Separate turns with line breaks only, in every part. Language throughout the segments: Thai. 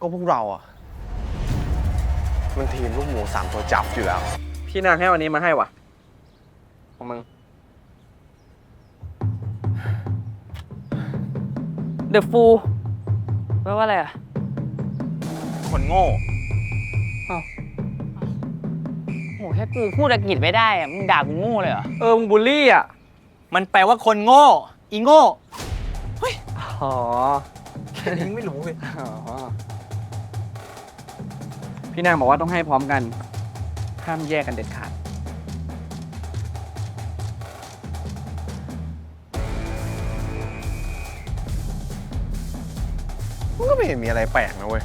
ก็พวกเราอ่ะมันทีมลูกหมู3 ตัวจับอยู่แล้ว
พี่นางให้วันนี้มาให้วะของมึง
เดอะฟูแปลว่าอะไรอ่ะ
คนโง่
โหแค่กูพูดอังกฤษไม่ได้อ่ะมึงด่ากูโง่เลยเหรอ
มึงบูลลี่อ่ะ
มันแปลว่าคนโง่ อีโง่
อ๋อ
แค่นี้ไม่รู้เลย
อ๋อ พี่นางบอกว่าต้องให้พร้อมกัน ห้ามแยกกันเด็ดขาด
มันก็ไม่เห็นมีอะไรแปลกนะเว้ย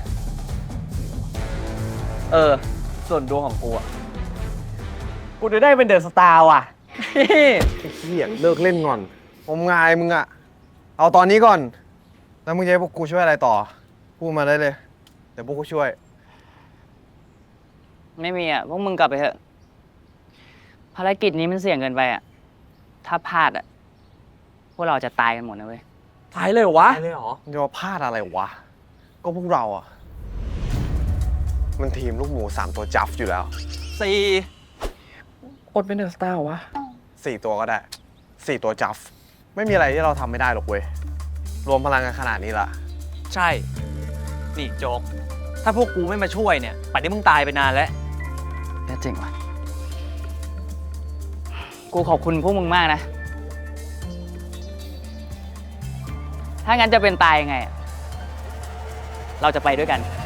ส่วนดวงของกูอ่ะ กูจะได้เป็นเดอะสตาร์ว่ะ
ไอ้เหี้ยเลิกเล่นก่อนงมงายมึงอะเอาตอนนี้ก่อน แล้วมึงจะให้พวกกูช่วยอะไรต่อ พูดมาได้เลย เดี๋ยวพวกกูช่วย
ไม่มีอ่ะพวกมึงกลับไปเถอะ ภารกิจนี้มันเสี่ยงเกินไปอ่ะ ถ้าพลาดอ่ะ พวกเราจะตายกันหมดนะเว้ย
ตายเลยเหรอวะ
เลยเหรอ
มึงจะมาพลาดอะไรวะ ก็พวกเราอ่ะมันทีมลูกหมู3 ตัวจับอยู่แล้ว
อดเป็นเดอะสตาร์วะ
4 ตัวก็ได้ 4 ตัวจับไม่มีอะไรที่เราทำไม่ได้หรอกเว้ย รวมพลังกันขนาดนี้ละ
ใช่ นี่โจ๊ก ถ้าพวกกูไม่มาช่วยเนี่ยป่านนี้มึงตายไปนานแล้ว
แค่เจ๋งว่ะ กูขอบคุณพวกมึงมากนะ ถ้างั้นจะเป็นตายยังไงอะเราจะไปด้วยกัน